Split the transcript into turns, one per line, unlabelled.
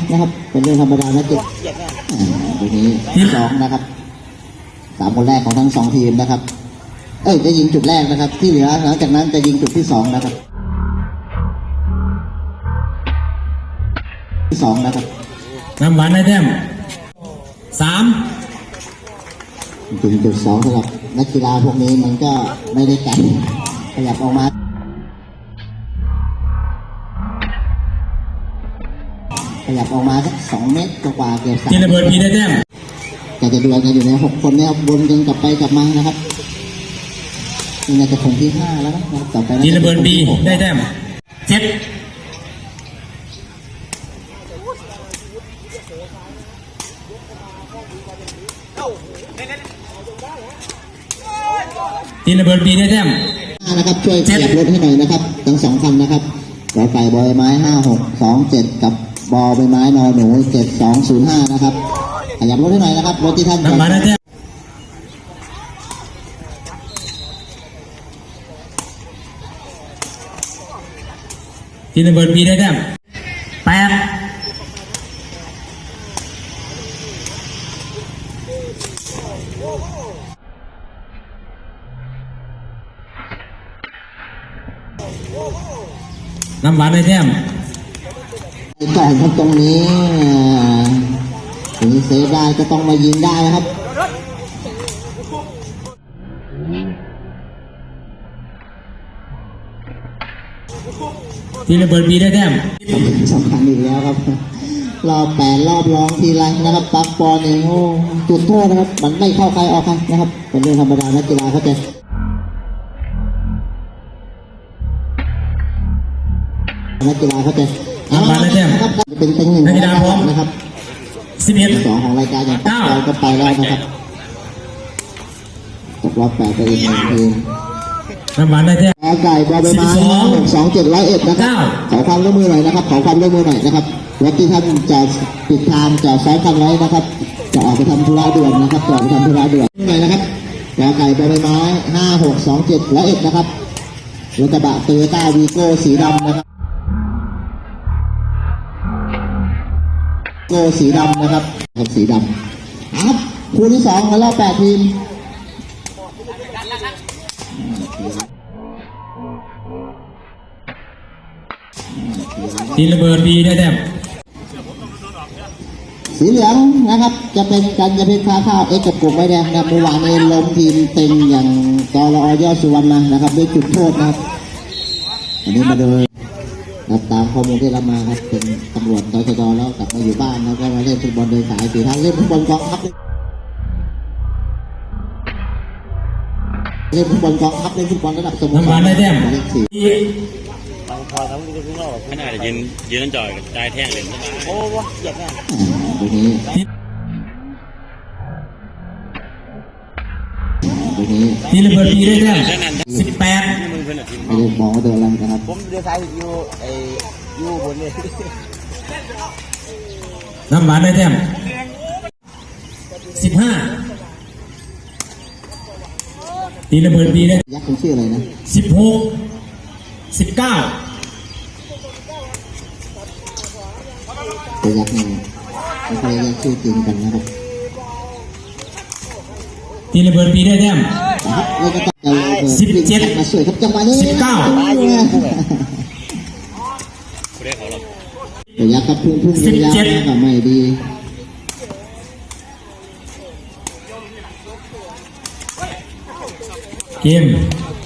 นะครับเป็นเรื่องธรรมดานะจุดตรงนี้ที่สองนะครับ3 คนแรกของทั้ง2 ทีมนะครับจะยิงจุดแรกนะครับที่เหลือหลังจากนั้นจะยิงจุดที่2นะครับที่2นะครับ
น้ำหวานได้แต้ม3
ถึงจุด2สำหรับนักกีฬาพวกนี้มันก็ไม่ได้ไกลขยับออกมาสัก2 เมตรกว่าเกือบ3
ทีระเบิดพีได้แต้ม
จะดวลกันอยู่ใน6 คนเนี่ยวนกันกลับไปกลับมานะครับนี่น่าจะคงที่5แล้วนะต่อไป
ทีระเบิดบีได้แต้ม7ทีระเบิดบีได้แต้ม
นะครับช่วยขยับรถให้หน่อยนะครับทั้ง2 คันนะครับขอไก่บอยไม้5627กับบอใบไม้นอหนู7205นะครับขยับรถให้หน่อยนะครับรถที่ท่าน
น้ำหวานได้แต้มทีระเบิดบีได้แต้ม8น้ำหวานได้แต้ม
ก่อนครับตรงนี้ถึงเซฟได้ก็ต้องมายิงได้นะครับ
ทีระเบิดบีได้แต้ม
สำคัญอีกแล้วครับรอบ8 รอบร้องทีไรนะครับปักปอนเองโอ้จุดโทษนะครับมันไม่เข้าใครออกใครนะครับเป็นเรื่องธรรมดานักกีฬาเขาจะ
มาได้แต้ม
เป็น1
นักกีฬาพร้อม
นะครับ
11
2ของรายการอย่างต่อไปก็ไปแล้วนะครับตกรอบ8ไปอีก1 ทีม
น้ำหวานได้แต้ม
ไก่บอใบไม้62701นะครับขอความร่วมมือหน่อยนะครับขอความร่วมมือหน่อยนะครับรถที่ท่านจะปิดทางจะซ้อนกันไว้นะครับจะออกไปทำธุระด่วนนะครับจะออกไปทำธุระด่วนหน่อยนะครับไก่บอใบไม้562701นะครับรถกระบะโตโยต้าวีโก้สีดำนะครับสีดำนะครับสีดำครับคู่ที่2ในรอบ8 ทีม
ทีระเบิดบีได้แต้ม
สีเหลืองนะครับจะเป็นกันจะเป็นข้าวกับกลุ่มใบแดงนะเมื่อวานนี้ล้มทีมเต็งอย่างกรอยอดสุวรรณนะครับด้วยจุดโทษนะครับอันนี้มาโดยตามข้อมูลที่รับมาครับเป็นตำรวจตชดแล้วกลับมาอยู่บ้านแล้วก็มาเล่นฟุตบอลโดยสายสีท่านเล่นฟุตบอลกองทัพเล่นฟุตบอลกองทัพเล่นฟุตบอลระดับสโมสร
ได้แต้ม
ขนาดยืนจ่อยใจแท่งเลยโอ้วะเหยียบแน่
ตรงนี้
ทีระเบิดบีได้แต้ม18
ไม่ได้มองว่าโดนอะไรนะครับ
ผมเดือดสายอยู่บนเลย
น้ำหวานได้แต้ม15ทีระเบิดบีได้
ยักษ์คุณชื่ออะไรนะ
16 19
ตัวยักษ์นี่ไม่ค่อยยักษ์ชื่อจริงกันนะครับ
ทีระเบิดบีได้แต้ม
17มาสวยครับจังหวะนี้
19
ตัวยักษ์กับพุ่งยักษ์กับไม่ดี
เกม